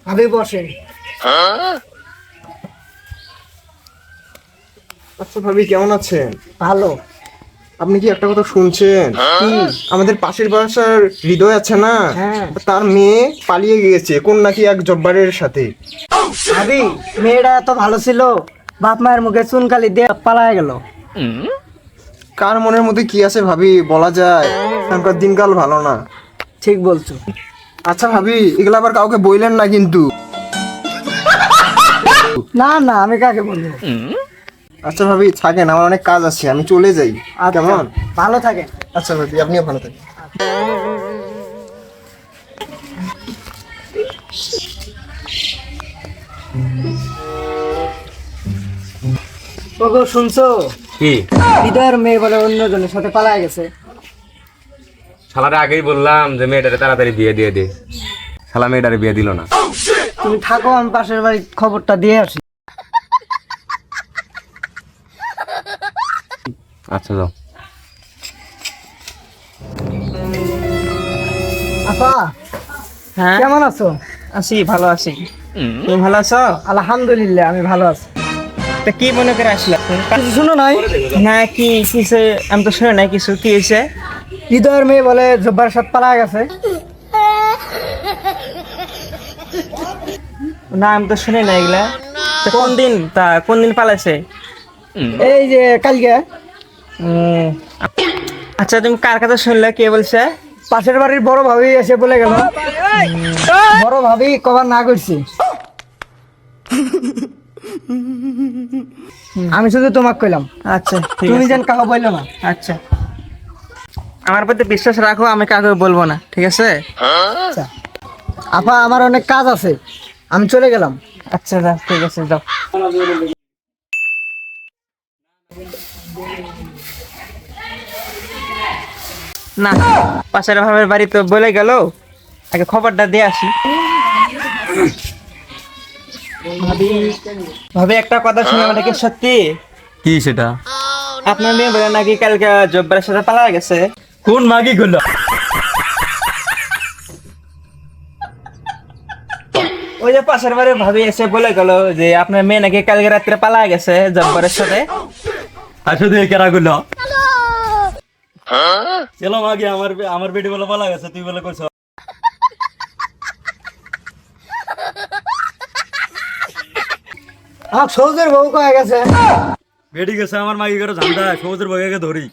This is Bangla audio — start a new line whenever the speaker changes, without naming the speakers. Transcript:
ভাবি বসেন।
আচ্ছা ভাবি, কেমন আছেন?
ভালো।
আপনি কি একটা কথা শুনছেন?
কি?
আমাদের পাশের বাসার হৃদয় আছে না,
হ্যাঁ।
তার মেয়ে পালিয়ে গিয়েছে কোন নাকি এক জব্বারের সাথে।
ভাবি, মেয়েটা এত ভালো ছিল, বাপ মায়ের মুখে চুনকালি দিয়ে পালায় গেল।
কার মনের মধ্যে কি আছে ভাবি, বলা যায়? এখনকার দিনকাল ভালো না।
ঠিক বলছো।
আচ্ছা ভাবি, এগুলো আবার কাউকে বললেন না কিন্তু।
না না, আমি কাকে বলবো?
আচ্ছা ভাবি থাকেন, আমার অনেক কাজ আছে, আমি চলে যাই।
আচ্ছা,
কেমন?
ভালো থাকেন।
আচ্ছা ভাবি, আপনিও ভালো থাকেন।
ওগো, শুনছো?
কি?
হৃদয়ের মেয়ে বলে অন্যজনের সাথে পালায় গেছে।
শালারে আগেই বললাম যে মেয়েটারে তাড়াতাড়ি বিয়ে দিয়ে দে, শালা মেয়েটারে বিয়ে দিল না।
তুমি থাকো, আমি পাশের বাড়ির খবরটা দিয়ে আসি।
আচ্ছা যাও।
আপা,
হ্যাঁ
কেমন আছো?
আছি, ভালো আছি। তুমি ভালো আছো?
আলহামদুলিল্লাহ, আমি ভালো আছি।
তা কি মনে করে আসলা?
কিছু শুনো নাই?
না, কি কিসে? আমি তো শুনে নাই কিছু। কি হয়েছে?
হৃদয়ের মেয়ে বলে জব্বার সাথে পালায় গেছে।
না, আমি তো শুনে নাই এগুলা। তা কোন দিন পালাইছে?
এই যে কালকে।
উম, আচ্ছা, তুমি কার কথা শুনলে? কে বলছে?
পাশের বাড়ির বড় ভাবি এসে বলে গেল। বড় ভাবি কবার না করছি। আমি শুধু তোমাকে কইলাম,
আচ্ছা, ঠিক
তুমি
আছে।
যেন কাউকে বললো না।
আচ্ছা, আমার প্রতি বিশ্বাস রাখো, আমি কাউকে বলবো না, ঠিক আছে?
আচ্ছা আপা, আমার অনেক কাজ আছে, আমি চলে গেলাম।
আচ্ছা যাও, ঠিক আছে, যাও। না, পাশের ভাবের বাড়ি তো বলে গেল, আগে খবরটা দিয়ে আসি। ভাবি, একটা কথা শুনে ওটা কি সত্যি?
কি সেটা?
আপনার মেয়ে বলে নাকি কালকে জব্বারের সাথে পালা গেছে।
কোন মাগি গুলো?
ওই যে পাশের বাড়ি ভাবি এসে বলে গেল যে আপনার মেয়ে নাকি কালকে রাত্রে পালা গেছে জব্বারের সাথে।
আসলে কেরা গুলো? চলো মাগি, আমার বেটি বলে পালা গেছে, তুই বলে করছ।
আমার সৌদের বউ কয়ে গেছে।
বেটি গেছে আমার মাগি করে ঝান্ডা, সবুজের বগাকে ধরি।